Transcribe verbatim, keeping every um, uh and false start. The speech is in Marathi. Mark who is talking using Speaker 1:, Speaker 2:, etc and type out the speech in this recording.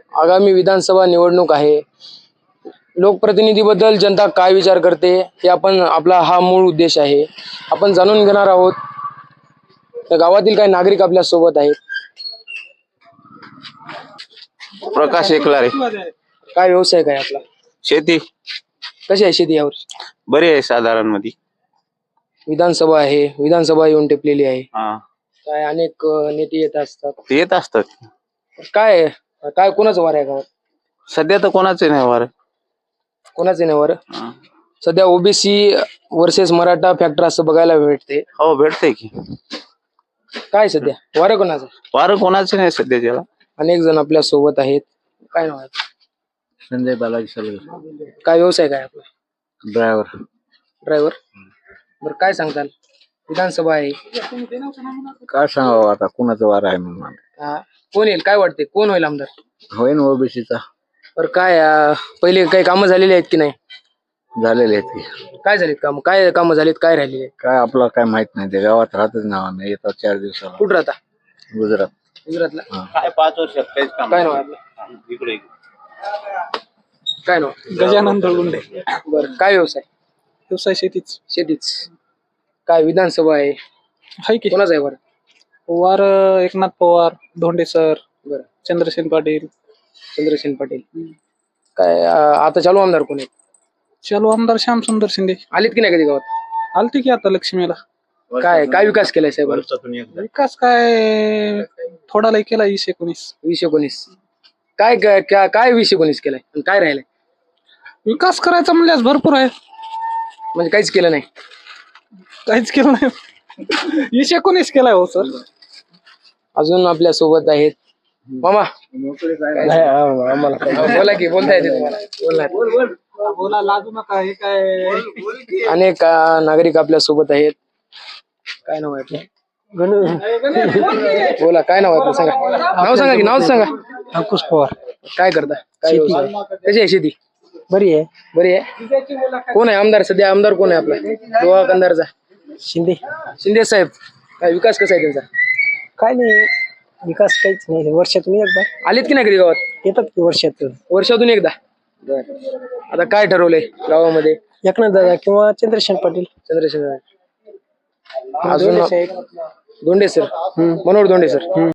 Speaker 1: आगामी विधानसभा निवडणूक आहे. लोकप्रतिनिधीबद्दल जनता काय विचार करते हे आपण आपला हा मूळ उद्देश आहे. आपण जाणून घेणार आहोत. तर गावातील काही नागरिक आपल्या सोबत आहेत.
Speaker 2: प्रकाश एकलारे.
Speaker 1: काय व्यवसाय काय आपला?
Speaker 2: शेती.
Speaker 1: कशी आहे शेती यावर?
Speaker 2: बरी आहे साधारण मध्ये.
Speaker 1: विधानसभा आहे, विधानसभा येऊन टेपलेली आहे.
Speaker 2: हा,
Speaker 1: काय अनेक अ, नेते येत असतात.
Speaker 2: ते येत असतात.
Speaker 1: काय काय कोणाचं वार आहे गावात?
Speaker 2: सध्या तर कोणाचे नाही वार.
Speaker 1: कोणाचं नाही वार? सध्या ओबीसी वर्सेस मराठा फॅक्टर असं बघायला भेटते.
Speaker 2: हो, भेटते की.
Speaker 1: काय सध्या वार कोणाचं?
Speaker 2: वार कोणाचे नाही सध्या त्याला.
Speaker 1: अनेक जण आपल्या सोबत आहेत. काय नाव आहे?
Speaker 2: संजय बालाजी सलगर.
Speaker 1: काय व्यवसाय काय आपला?
Speaker 2: ड्रायव्हर.
Speaker 1: ड्रायव्हर. बरं, काय सांगताल? विधानसभा आहे.
Speaker 2: काय सांगावं आता कुणाचं वार आहे म्हणून.
Speaker 1: हा, कोण येईल काय वाटते? कोण होईल आमदार?
Speaker 2: होईन ओबीसीचा.
Speaker 1: बरं, काय अं, पहिले काही कामं झालेली आहेत की नाही?
Speaker 2: झालेले आहेत की.
Speaker 1: काय झालीत काम? काय कामं झालीत? काय राहिलेले?
Speaker 2: काय आपला काय माहित नाही. ते गावात राहतच नाव आम्ही. येतात चार दिवसाला.
Speaker 1: कुठं राहता?
Speaker 2: गुजरात.
Speaker 1: गुजरातला.
Speaker 2: काय पाच वर्ष
Speaker 1: काय नाव आहे आपलं?
Speaker 2: इकडे
Speaker 1: काय नाव?
Speaker 3: गजानन दळगुंडे.
Speaker 1: बरं, काय व्यवसाय?
Speaker 3: व्यवसाय शेतीच
Speaker 1: शेतीच. काय विधानसभा आहे?
Speaker 3: आहे की.
Speaker 1: कोणाचा आहे बरं?
Speaker 3: वार एकनाथ पवार, धोंडे सर,
Speaker 1: बरं,
Speaker 3: चंद्रसेन पाटील.
Speaker 1: चंद्रसेन पाटील. काय अं, आता चालू आमदार कोण आहे?
Speaker 3: चालू आमदार श्याम सुंदर शिंदे.
Speaker 1: आलीत की नाही कधी गावात?
Speaker 3: आलते की आता लक्ष्मीला.
Speaker 1: काय काय विकास केलाय साहेब?
Speaker 3: विकास काय थोडा लय केला वीस एकोणीस.
Speaker 1: वीस एकोणीस. काय काय काय- काय वीस एकोणीस केलाय आणि काय राहिलंय?
Speaker 3: विकास करायचा म्हणल्यास भरपूर आहे.
Speaker 1: म्हणजे काहीच केलं नाही.
Speaker 3: काहीच केलं नाही. वीस एकोणीस केलाय हो सर.
Speaker 1: अजून आपल्या सोबत आहेत मामा. काय- आम्हाला काय- बोला की, बोलता येते तुम्हाला? बोला.
Speaker 3: बोला, लाजू नका. हे काय
Speaker 1: अनेक अं, नागरिक आपल्या सोबत आहेत. काय नाव आहे आपलं? बोला, काय नाव आहे आपलं? सांगा नाव. सांगा की नाव सांगा.
Speaker 3: अंकुश पवार.
Speaker 1: काय करता? काय व्यवसाय? कशी आहे शेती?
Speaker 3: बरी आहे.
Speaker 1: बरी आहे. कोण आहे आमदार सध्या? आमदार कोण आहे आपला? दोहा कंदारचा
Speaker 3: शिंदे.
Speaker 1: शिंदे साहेब. काय विकास कसा आहे त्यांचा?
Speaker 3: काय नाही, विकास काहीच नाही. वर्षातून एकदा
Speaker 1: आलीत की नाही कधी गावात?
Speaker 3: येतात की वर्षातून.
Speaker 1: वर्षातून एकदा. बर, आता काय ठरवलंय गावामध्ये?
Speaker 3: एकनाथ दादा किंवा चंद्रसेन पाटील.
Speaker 1: चंद्रशेखर. अजून धोंडे सर. मनोहर धोंडे सर.